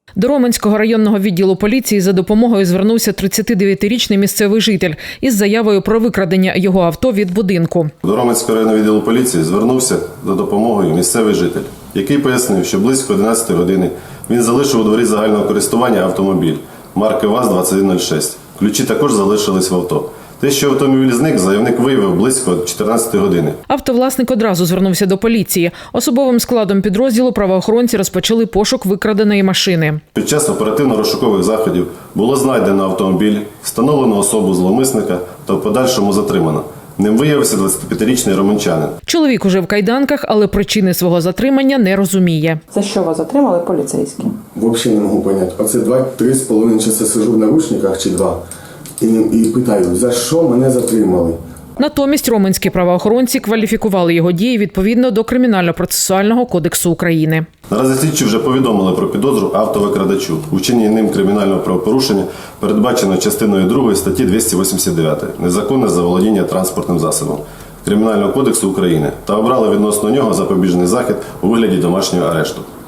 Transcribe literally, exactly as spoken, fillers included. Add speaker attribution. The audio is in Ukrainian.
Speaker 1: До Роменського районного відділу поліції за допомогою звернувся тридцятидев'ятирічний місцевий житель із заявою про викрадення його авто від будинку.
Speaker 2: До Роменського районного відділу поліції звернувся за допомогою місцевий житель, який пояснив, що близько одинадцятої години він залишив у дворі загального користування автомобіль марки ВАЗ двадцять один нуль шість. Ключі також залишились в авто. Те, що автомобіль зник, заявник виявив близько чотирнадцятої години.
Speaker 1: Автовласник одразу звернувся до поліції. Особовим складом підрозділу правоохоронці розпочали пошук викраденої машини.
Speaker 2: Під час оперативно-розшукових заходів було знайдено автомобіль, встановлено особу зловмисника та в подальшому затримано. Ним виявився двадцятип'ятирічний романчанин.
Speaker 1: Чоловік уже в кайданках, але причини свого затримання не розуміє.
Speaker 3: За що вас затримали поліцейські?
Speaker 4: Взагалі не можу зрозуміти. Оце два-три з половиною часа сижу в наручниках чи два. І, і питаю, за що мене затримали?
Speaker 1: Натомість роменські правоохоронці кваліфікували його дії відповідно до Кримінально-процесуального кодексу України.
Speaker 2: Наразі слідчі вже повідомили про підозру автовикрадачу. У вчиненні ним кримінального правопорушення передбачено частиною другої статті двісті вісімдесят дев'ять «Незаконне заволодіння транспортним засобом» Кримінального кодексу України та обрали відносно нього запобіжний захід у вигляді домашнього арешту.